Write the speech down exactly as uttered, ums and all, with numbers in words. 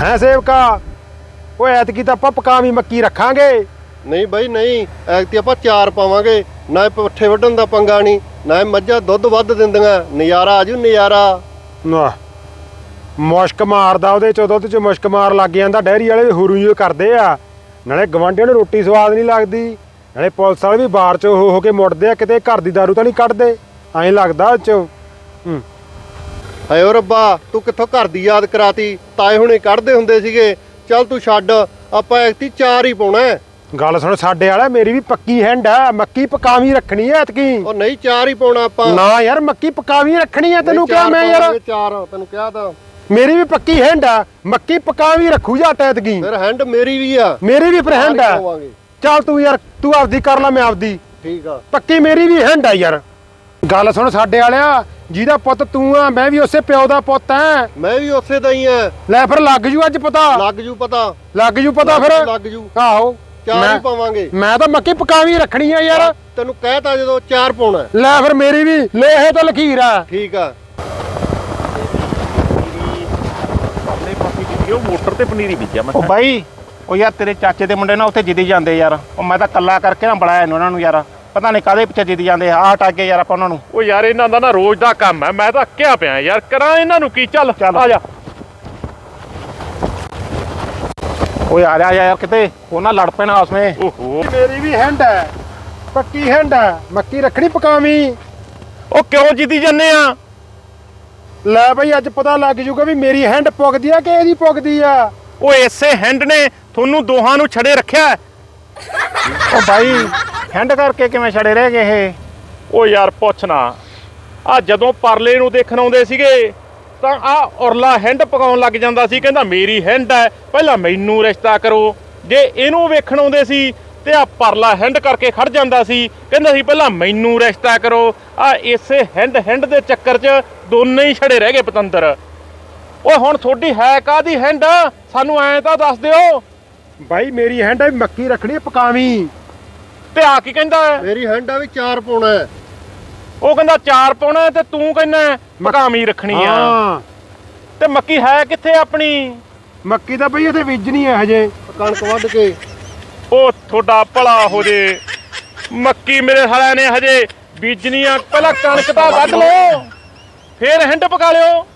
ਹੈ ਸੇਵਕਾ। ਓਏ ਐਤਕੀ ਤਾਂ ਆਪਾਂ ਪਕਾਵੀਂ ਮੱਕੀ ਰੱਖਾਂਗੇ। ਨਹੀਂ ਬਾਈ ਨਹੀਂ, ਐਤਕੀ ਆਪਾਂ ਚਾਰ ਪਾਵਾਂਗੇ। ਨਾ ਪੱਠੇ ਵੱਢਣ ਦਾ ਪੰਗਾ ਨਹੀਂ, ਨਾ ਮੱਝਾਂ ਦੁੱਧ ਵੱਧ ਦਿੰਦੀਆਂ। ਨਜ਼ਾਰਾ ਆਜੂ ਨਜ਼ਾਰਾ। ਨਾ ਮੁਸ਼ਕ ਮਾਰਦਾ ਉਹਦੇ ਚ, ਦੁੱਧ ਚ ਮੁਸ਼ਕ ਮਾਰ ਲੱਗ ਜਾਂਦਾ। ਡੈਰੀ ਵਾਲੇ ਵੀ ਹੁਰੂ ਜਿਹੇ ਕਰਦੇ ਆ। ਨਾਲੇ ਗਵਾਂਢੀਆਂ ਨੂੰ ਰੋਟੀ ਸਵਾਦ ਨਹੀਂ ਲੱਗਦੀ, ਨਾਲੇ ਪੁਲਿਸ ਵਾਲੇ ਵੀ ਬਾਹਰ ਚ ਹੋ ਹੋ ਕੇ ਮੁੜਦੇ ਆ। ਕਿਤੇ ਘਰ ਦੀ ਦਾਰੂ ਤਾਂ ਨਹੀਂ ਕੱਢਦੇ, ਐਂ ਲੱਗਦਾ ਉਹ ਚ। ਹੂੰ ਹਾਏ ਓ ਰੱਬਾ, ਤੂੰ ਕਿੱਥੋਂ ਘਰ ਦੀ ਯਾਦ ਕਰਾਤੀ। ਤਾਏ ਹੁਣੇ ਕੱਢਦੇ ਹੁੰਦੇ ਸੀਗੇ। ਚੱਲ ਤੂੰ ਛੱਡ, ਆਪਾਂ ਐਤਕੀ ਚਾਰ ਹੀ ਪਾਉਣਾ। ਗੱਲ ਸੁਣ ਸਾਡੇ ਵਾਲਾ, ਮੇਰੀ ਵੀ ਪੱਕੀ ਹੈਂਡ ਆ। ਮੱਕੀ ਪਕਾਵੀਂ ਰੱਖਣੀ ਐ ਐਤਕੀ। ਉਹ ਨਹੀਂ, ਚਾਰ ਹੀ ਪਾਉਣਾ ਆਪਾਂ। ਨਾ ਯਾਰ, ਮੱਕੀ ਪਕਾਵੀਂ ਰੱਖਣੀ ਐ। ਤੈਨੂੰ ਕਿਹਾ ਮੈਂ ਯਾਰ, ਚਾਰ ਤੈਨੂੰ ਕਿਹਾ ਤਾਂ। ਮੇਰੀ ਵੀ ਪੱਕੀ ਹੈਂਡ ਆ। ਮੱਕੀ ਪਕਾਵੀਂ ਰੱਖੂ ਜੱਟ ਐਤਕੀ। ਫਿਰ ਹੈਂਡ ਮੇਰੀ ਵੀ ਆ। ਮੇਰੀ ਵੀ ਫਿਰ ਹੈਂਡ ਆ। ਚੱਲ ਤੂੰ ਯਾਰ, ਤੂੰ ਆਪਦੀ ਕਰ ਲੈ, ਮੈਂ ਆਪਦੀ। ਠੀਕ ਆ। ਪੱਕੀ ਮੇਰੀ ਵੀ ਹੈਂਡ ਆ ਯਾਰ। ਗੱਲ ਸੁਣ ਸਾਡੇ ਵਾਲਿਆ, ਜਿਹਦਾ ਪੁੱਤ ਤੂੰ ਆ, ਮੈਂ ਵੀ ਉਸੇ ਪਿਓ ਦਾ ਪੁੱਤ ਐ। ਮੈਂ ਵੀ ਉਸੇ ਦਾ ਹੀ ਆ। ਲੈ ਫਿਰ ਲੱਗ ਜੂ ਅੱਜ ਪਤਾ। ਲੱਗ ਜੂ ਪਤਾ। ਲੱਗ ਜੂ ਪਤਾ ਫਿਰ। ਲੱਗ ਜੂ। ਆਹੋ ਚਾਰ ਹੀ ਪਾਵਾਂਗੇ। ਮੈਂ ਤਾਂ ਮੱਕੀ ਪਕਾਵੀਂ ਰੱਖਣੀ ਆ ਯਾਰ। ਤੈਨੂੰ ਕਹਿਤਾ ਜਦੋਂ ਚਾਰ ਪਾਉਣਾ। ਲੈ ਫਿਰ ਮੇਰੀ ਵੀ ਲੇਹੇ ਤੋਂ ਲਖੀਰ ਆ। ਠੀਕ ਆ। ਉਹ ਮੋਟਰ ਤੇ ਪਨੀਰੀ ਬੀਜਿਆ ਮੈਂ। ਉਹ ਬਾਈ, ਉਹ ਯਾਰ ਤੇਰੇ ਚਾਚੇ ਦੇ ਮੁੰਡੇ ਨਾ ਉੱਥੇ ਜਿੱਦੀ ਜਾਂਦੇ ਯਾਰ। ਉਹ ਮੈਂ ਤਾਂ ਕੱਲਾ ਕਰਕੇ ਨਾ ਬੁਲਾਇਆ ਇਹਨਾਂ ਨੂੰ ਯਾਰ। ਪਤਾ ਨਹੀਂ ਕਾਹਦੇ ਪਿੱਛੇ ਜਿੱਦੀ ਜਾਂਦੇ ਆ। ਹਟ ਅੱਗੇ ਯਾਰ ਆਪਾਂ ਉਹਨਾਂ ਨੂੰ। ਉਹ ਯਾਰ ਇਹਨਾਂ ਦਾ ਨਾ ਰੋਜ਼ ਦਾ ਕੰਮ ਹੈ। ਮੈਂ ਤਾਂ ਅੱਕਿਆ ਪਿਆ ਯਾਰ, ਕਰਾਂ ਇਹਨਾਂ ਨੂੰ ਕੀ। ਚੱਲ ਚੱਲ। ਆ ਜਾ। ਓਏ ਆ ਜਾ ਯਾਰ, ਕਿਤੇ ਉਹ ਨਾ ਲੜ ਪੈਣਾ ਆਪਸ ਵਿੱਚ। ਓਹੋ, ਮੇਰੀ ਵੀ ਹੈਂਡ ਹੈ, ਪੱਕੀ ਹੈਂਡ ਹੈ। ਮੱਕੀ ਰੱਖਣੀ ਪਕਾਵੀਂ। ਉਹ ਕਿਉਂ ਜਿੱਦੀ ਜੰਨੇ ਆ? ਲੈ ਬਈ ਅੱਜ ਪਤਾ ਲੱਗ ਜੂਗਾ ਵੀ ਮੇਰੀ ਹੈਂਡ ਪੁੱਗਦੀ ਆ ਕਿ ਇਹਦੀ ਪੁੱਗਦੀ ਆ। ਉਹ ਇਸੇ ਹੈਂਡ ਨੇ ਤੁਹਾਨੂੰ ਦੋਹਾਂ ਨੂੰ ਛੜੇ ਰੱਖਿਆ। ਉਹ ਬਾਈ, ਹੈਂਡ ਕਰਕੇ ਕਿਵੇਂ ਛੜੇ ਰਹਿ ਗਏ ਇਹ? ਉਹ ਯਾਰ ਪੁੱਛ ਨਾ। ਆ ਜਦੋਂ ਪਰਲੇ ਨੂੰ ਦੇਖਣ ਆਉਂਦੇ ਸੀਗੇ ਤਾਂ ਆ ਉਰਲਾ ਹੈਂਡ ਪਕਾਉਣ ਲੱਗ ਜਾਂਦਾ ਸੀ। ਕਹਿੰਦਾ ਮੇਰੀ ਹੈਂਡ ਹੈ, ਪਹਿਲਾਂ ਮੈਨੂੰ ਰਿਸ਼ਤਾ ਕਰੋ। ਜੇ ਇਹਨੂੰ ਵੇਖਣ ਆਉਂਦੇ ਸੀ ਤੇ ਆ ਪਰਲਾ ਹੈਂਡ ਕਰਕੇ ਖੜ ਜਾਂਦਾ ਸੀ। ਕਹਿੰਦਾ ਸੀ ਪਹਿਲਾਂ ਮੈਨੂੰ ਰਿਸ਼ਤਾ ਕਰੋ। ਆ ਇਸੇ ਹੈਂਡ ਹੈਂਡ ਦੇ ਚੱਕਰ 'ਚ ਦੋਨੇ ਹੀ ਛੜੇ ਰਹਿ ਗਏ ਪਤੰਦਰ। ਓਏ ਹੁਣ ਤੁਹਾਡੀ ਹੈ ਕਾਹਦੀ ਹੈਂਡ? ਸਾਨੂੰ ਐਂ ਤਾਂ ਦੱਸ ਦਿਓ। ਬਾਈ ਮੇਰੀ ਹੈਂਡ ਹੈ, ਮੱਕੀ ਰੱਖਣੀ ਪਕਾਵੀਂ। ਤੇ ਆ ਕੀ ਕਹਿੰਦਾ? ਮੇਰੀ ਹੈਂਡ ਆ ਵੀ ਚਾਰ ਪਾਉਣਾ। ਉਹ ਕਹਿੰਦਾ ਚਾਰ ਪਾਉਣਾ ਤੇ ਤੂੰ ਕਹਿੰਦਾ ਮਕਾਮੀ ਰੱਖਣੀ ਆ। ਹਾਂ, ਤੇ ਮੱਕੀ ਹੈ ਕਿੱਥੇ ਆਪਣੀ? ਮੱਕੀ ਤਾਂ ਬਈ ਇੱਥੇ ਬੀਜਣੀ ਹੈ ਹਜੇ। ਕਣਕ ਵੱਢ ਕੇ। ਉਹ ਤੁਹਾਡਾ ਭਲਾ ਹੋ ਜੇ। ਮੱਕੀ ਮੇਰੇ ਸਾਲਿਆਂ ਨੇ ਹਜੇ ਬੀਜਣੀ ਆ। ਪਹਿਲਾਂ ਕਣਕ ਤਾਂ ਵੱਢ ਲਓ, ਫੇਰ ਹਿੰਡ ਪਕਾ ਲਿਓ।